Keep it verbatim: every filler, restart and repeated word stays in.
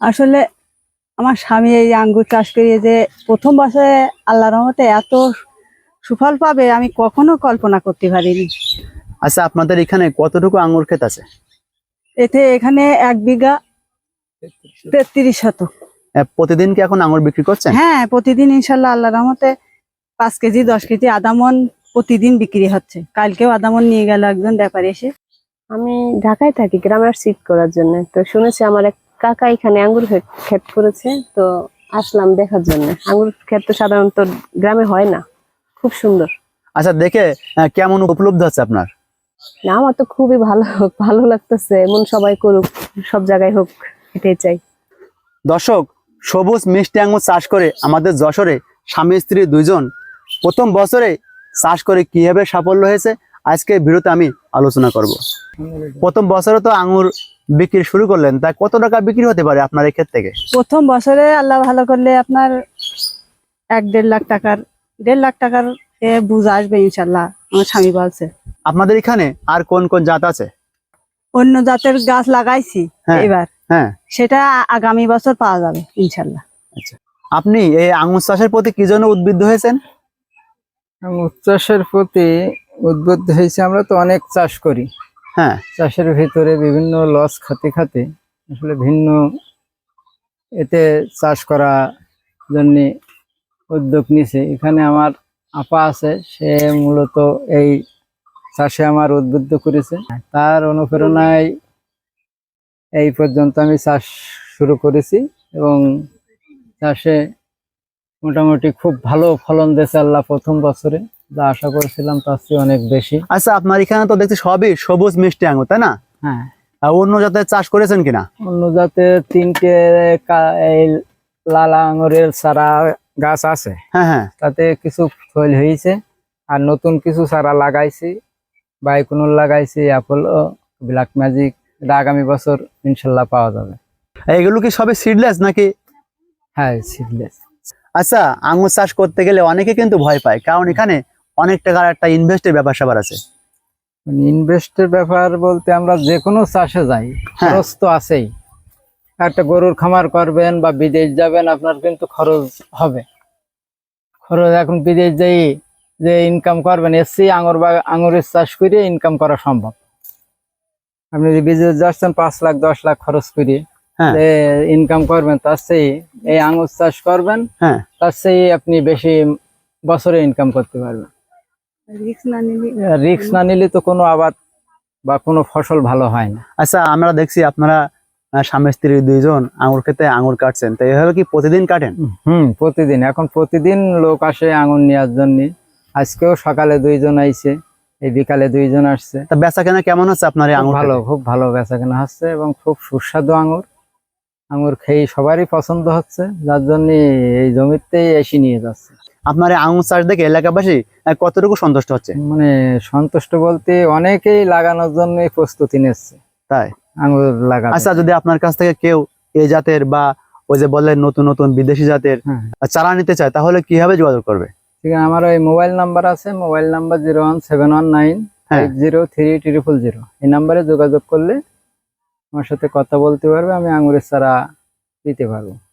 আসলে আমার স্বামী এই আঙ্গুর চাষ করিয়ে যে প্রথম বছরে আল্লাহর রহমতে এত সুফল পাবে আমি কখনো কল্পনা করতে পারিনি। আচ্ছা, আপনাদের এখানে কতটুকু আঙ্গুর ক্ষেত আছে? এতে এখানে এক বিঘা তেত্রিশ শতক। আহ, প্রতিদিন কি এখন আঙ্গুর বিক্রি করছেন? হ্যাঁ, প্রতিদিন ইনশাল্লাহ আল্লাহর রহমতে পাঁচ কেজি দশ কেজি আদামন প্রতিদিন বিক্রি হচ্ছে। কালকেও আদামন নিয়ে গেল একজন ব্যাপারী এসে। আমি ঢাকায় থাকি গ্রামে শিফট করার জন্য, তো শুনেছি আমার এক কাকা এখানে আঙ্গুর ক্ষেত করেছে, তো আসলাম দেখার জন্য। আঙ্গুর ক্ষেত তো সাধারণত গ্রামে হয় না, খুব সুন্দর। আচ্ছা, দেখে আহ, কেমন উপলব্ধ হচ্ছে আপনার? না, আমার তো খুবই ভালো ভালো লাগতেছে। এমন সবাই করুক, সব জায়গায় হোক, এটাই চাই। দর্শক, সবুজ মিষ্টি আঙ্গুর চাষ করে আমাদের যশোরে স্বামী স্ত্রী দুইজন প্রথম বছরে চাষ করে কিভাবে সাফল্য হয়েছে আজকে ভিডিওতে আমি আলোচনা করব। প্রথম বছরে তো আঙ্গুর বিক্রি শুরু করলেন, তা কত টাকা বিক্রি হতে পারে আপনার এই ক্ষেত থেকে? প্রথম বছরে আল্লাহ ভালো করলে আপনার এক দেড় লাখ টাকার দেড় লাখ টাকার এ বুঝ আসবে ইনশাল্লাহ, আমার স্বামী বলছে। আপনাদের এখানে আর কোন কোন জাত আছে? অন্য জাতের গাছ লাগাইছি হ্যাঁ, এবার, হ্যাঁ, সেটা আগামী বছর পাওয়া যাবে ইনশাল্লাহ। আচ্ছা, আপনি এই আঙ্গুর চাষের প্রতি কি জন্য উদ্বুদ্ধ হয়েছেন? আঙ্গুর চাষের প্রতি উদ্বুদ্ধ হয়েছে, আমরা তো অনেক চাষ করি। হ্যাঁ, চাষের ভিতরে বিভিন্ন লস খাতে খাতে আসলে ভিন্ন এতে চাষ করা জন্য উদ্যোগ নিছে। এখানে আমার আপা আছে, সে মূলত এই চাষে আমার উদ্বুদ্ধ করেছে। তার অনুপ্রেরণায় এই পর্যন্ত আমি চাষ শুরু করেছি এবং চাষে মোটামুটি খুব ভালো ফলন দিয়েছে আল্লাহ প্রথম বছরে, যা আশা করেছিলাম তার চেয়ে অনেক বেশি। আচ্ছা, আপনার এখানে তো দেখছি সবই সবুজ মিষ্টি আঙ্গুর, তাই না? হ্যাঁ, আর অন্য জাতের চাষ করেছেন কিনা? অন্য জাতের তিনটে কা- এই লাল আঙুরের চারা গাছ আছে, হ্যাঁ, হ্যাঁ, তাতে কিছু ফল হয়েছে। আর নতুন কিছু চারা লাগাইছি, বাইকুনুল লাগাইছি, অ্যাপোলো, ব্ল্যাক ম্যাজিক। এটা আগামী বছর ইনশাল্লাহ পাওয়া যাবে। এগুলো কি সবই সিডলেস নাকি? হ্যাঁ, সিডলেস। আচ্ছা, আঙ্গুর চাষ করতে গেলে অনেকে কিন্তু ভয় পায়, কারণ এখানে অনেক টাকার একটা ইনভেস্টের ব্যাপার স্যাপার আছে। ইনভেস্টের ব্যাপার বলতে আমরা যে কোনো চাষে যাই, হ্যাঁ। খরচ তো আছেই। একটা গরুর খামার করবেন বা বিদেশ যাবেন, আপনার কিন্তু খরচ হবে। খরচ এখন বিদেশ যাই যে ইনকাম করবেন, এসছি আঙুর বা আঙুরের চাষ করে ইনকাম করা সম্ভব। আপনি যদি বিদেশ যাচ্ছেন পাঁচ লাখ দশ লাখ খরচ করে হ্যাঁ, ইনকাম করবেন, তার চেয়ে এই আঙুর চাষ করবেন, হ্যাঁ, তার চেয়ে আপনি বেশি বছরে ইনকাম করতে পারবেন। রিস্ক না নিলে রিস্ক না নিলে তো কোনো আবাদ বা কোনো ফসল ভালো হয় না। আচ্ছা, আমরা দেখছি আপনারা আহ, স্বামী স্ত্রী দুইজন আঙ্গুর খেতে আঙ্গুর কাটছেন, তো এভাবে কি প্রতিদিন কাটেন? হুম, প্রতিদিন এখন প্রতিদিন লোক আসে আঙুর নেওয়ার জন্য। আজকেও সকালে দুইজন আইছে, এই বিকালে দুইজন আসছে। তা বেচা কেনা কেমন হচ্ছে আপনার এই খুব আঙ্গুর ভালো, খেতে? খুব ভালো বেচাকেনা হচ্ছে এবং খুব সুস্বাদু আঙুর। আঙুর খেয়ে সবারই পছন্দ হচ্ছে, যার জন্য এই জমিতেই এসে নিয়ে যাচ্ছে। আপনার এই আঙ্গুর চাষ দেখে এলাকাবাসী আহ, কতটুকু সন্তুষ্ট হচ্ছে? মানে সন্তুষ্ট বলতে অনেকেই লাগানোর জন্য প্রস্তুতি নিচ্ছে তাই? আঙুর লাগাবে। আচ্ছা, যদি আপনার কাছ থেকে কেউ এই জাতের বা ওই যে বললেন নতুন নতুন বিদেশি জাতের হ্যাঁ, চারা নিতে চায়, তাহলে কিভাবে যোগাযোগ করবে? ঠিক আছে, আমার ওই মোবাইল নাম্বার আছে, mobile number zero one seven one nine হ্যাঁ, five zero three triple zero. এই নাম্বারে যোগাযোগ করলে আমার সাথে কথা বলতে পারবে, আমি আঙুরের চারা দিতে পারবো।